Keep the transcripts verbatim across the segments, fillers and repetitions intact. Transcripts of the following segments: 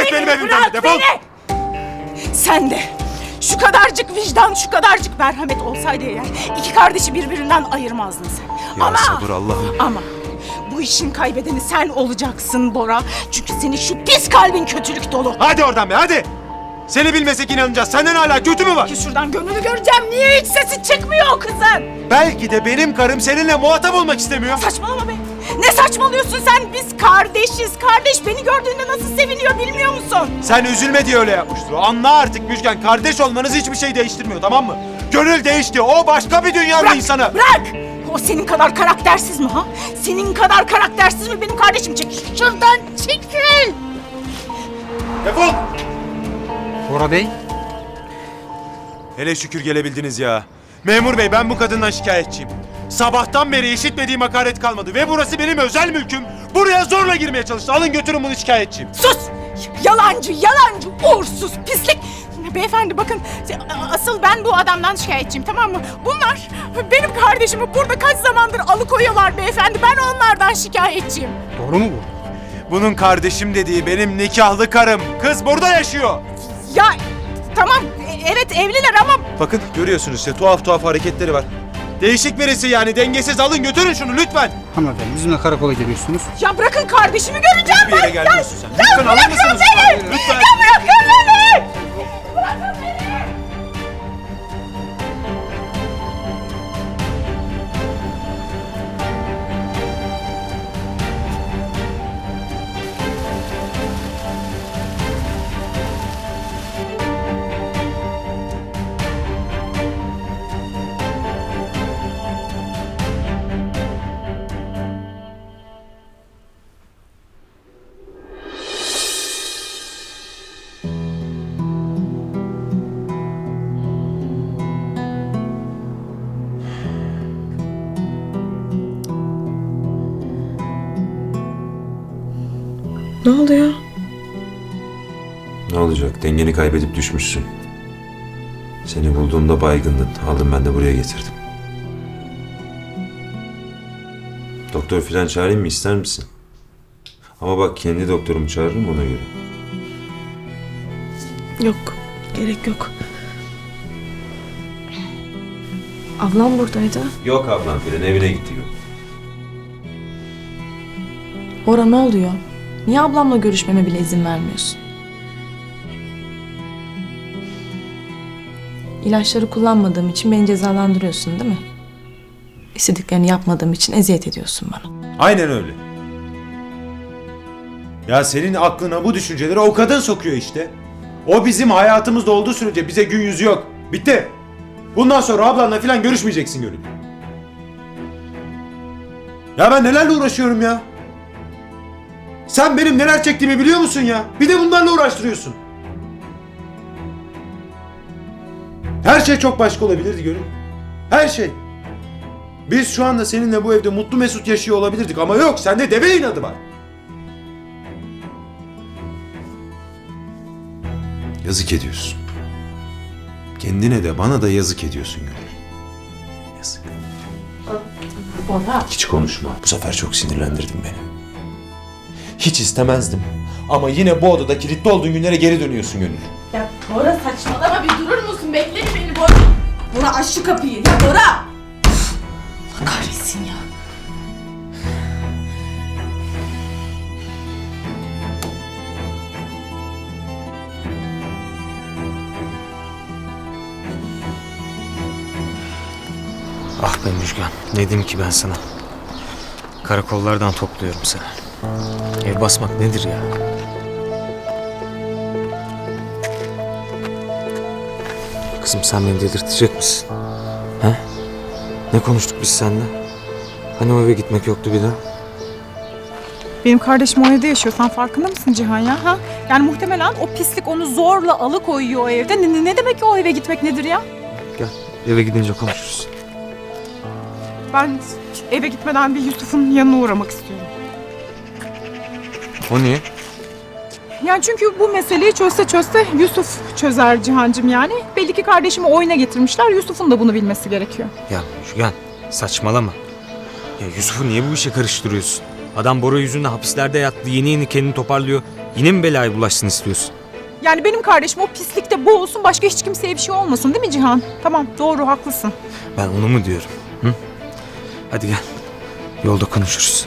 Git benim evimden de, defol! Beni! Sen de şu kadarcık vicdan, şu kadarcık merhamet olsaydı eğer iki kardeşi birbirinden ayırmazdın sen. Ya ama, sabır Allah'ım. Ama bu işin kaybedeni sen olacaksın Bora. Çünkü senin şu pis kalbin kötülük dolu. Hadi oradan be, hadi! Seni bilmesek inanacağız. Senden hala kötü mü var? Ki şuradan gönlünü göreceğim. Niye hiç sesi çıkmıyor o kızın? Belki de benim karım seninle muhatap olmak istemiyor. Saçmalama be. Ne saçmalıyorsun sen? Biz kardeşiz. Kardeş beni gördüğünde nasıl seviniyor bilmiyor musun? Sen üzülme diye öyle yapmıştır. Anla artık Müjgan. Kardeş olmanız hiçbir şey değiştirmiyor, tamam mı? Gönül değişti. O başka bir dünyanın Bırak, insanı. Bırak! O senin kadar karaktersiz mi ha? Senin kadar karaktersiz mi benim kardeşim? Çekil şuradan, çekil! Defol! Bora Bey. Hele şükür gelebildiniz ya. Memur bey, ben bu kadından şikayetçiyim. Sabahtan beri işitmediğim hakaret kalmadı ve burası benim özel mülküm. Buraya zorla girmeye çalıştı. Alın götürün bunu, şikayetçiyim. Sus! Yalancı, yalancı, uğursuz, pislik! Beyefendi bakın, asıl ben bu adamdan şikayetçiyim, tamam mı? Bunlar benim kardeşimi burada kaç zamandır alıkoyuyorlar beyefendi. Ben onlardan şikayetçiyim. Doğru mu bu? Bunun kardeşim dediği benim nikahlı karım. Kız burada yaşıyor. Ya tamam, evet evliler ama... Bakın görüyorsunuz işte, tuhaf tuhaf hareketleri var. Değişik birisi yani, dengesiz. Alın götürün şunu lütfen. Hanımefendi bizimle karakola geliyorsunuz. Ya bırakın kardeşimi göreceğim Bir yere ben. gelmiyorsun ya, sen. Ya Lütfen alır bırakın mısınız? beni! Lütfen. Ya bırakın beni! Bırakın beni! Ne oluyor? Ne olacak? Dengeni kaybedip düşmüşsün. Seni bulduğumda baygındın. Aldım ben de buraya getirdim. Doktor filan çağırayım mı, ister misin? Ama bak, kendi doktorumu çağırırım, ona göre. Yok, gerek yok. Ablam buradaydı. Yok ablam filan, evine gitti yok. Bora ne oluyor? Niye ablamla görüşmeme bile izin vermiyorsun? İlaçları kullanmadığım için beni cezalandırıyorsun değil mi? İstediklerini yapmadığım için eziyet ediyorsun bana. Aynen öyle. Ya senin aklına bu düşünceleri o kadın sokuyor işte. O bizim hayatımızda olduğu sürece bize gün yüzü yok. Bitti. Bundan sonra ablanla falan görüşmeyeceksin Gönül. Ya ben nelerle uğraşıyorum ya? Sen benim neler çektiğimi biliyor musun ya? Bir de bunlarla uğraştırıyorsun. Her şey çok başka olabilirdi Gönül. Her şey. Biz şu anda seninle bu evde mutlu mesut yaşıyor olabilirdik ama yok, sende deve inadı var. Yazık ediyorsun. Kendine de bana da yazık ediyorsun Gönül. Yazık. Bora. Hiç konuşma. Bu sefer çok sinirlendirdin beni. Hiç istemezdim. Ama yine bu odada kilitli olduğun günlere geri dönüyorsun Gönül. Ya Bora saçmalama, bir durur musun? Bekle bir beni Bora. Bora aç şu kapıyı. Ya Bora! Allah kahretsin ya. Ah be Müjgan. Ne diyeyim ki ben sana? Karakollardan topluyorum seni. Ev basmak nedir ya? Kızım sen beni delirtecek misin? He? Ne konuştuk biz seninle? Hani o eve gitmek yoktu bir daha? Benim kardeşim o evde yaşıyor. Sen farkında mısın Cihan ya? Ha? Yani muhtemelen o pislik onu zorla alıkoyuyor o evde. Ne, ne demek ki o eve gitmek nedir ya? Gel eve gidince konuşuruz. Ben eve gitmeden bir Yusuf'un yanına uğramak istiyorum. O niye? Yani çünkü bu meseleyi çözse çözse Yusuf çözer Cihancığım yani. Belli ki kardeşimi oyuna getirmişler. Yusuf'un da bunu bilmesi gerekiyor. Ya Müjgan saçmalama. Ya Yusuf'u niye bu işe karıştırıyorsun? Adam Bora yüzünden hapislerde yattı, yeni yeni kendini toparlıyor. Yine mi belaya bulaşsın istiyorsun? Yani benim kardeşim o pislikte boğulsun, başka hiç kimseye bir şey olmasın değil mi Cihan? Tamam, doğru, haklısın. Ben onu mu diyorum? Hı? Hadi gel. Yolda konuşuruz.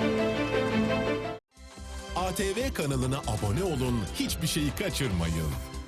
A T V kanalına abone olun, hiçbir şeyi kaçırmayın.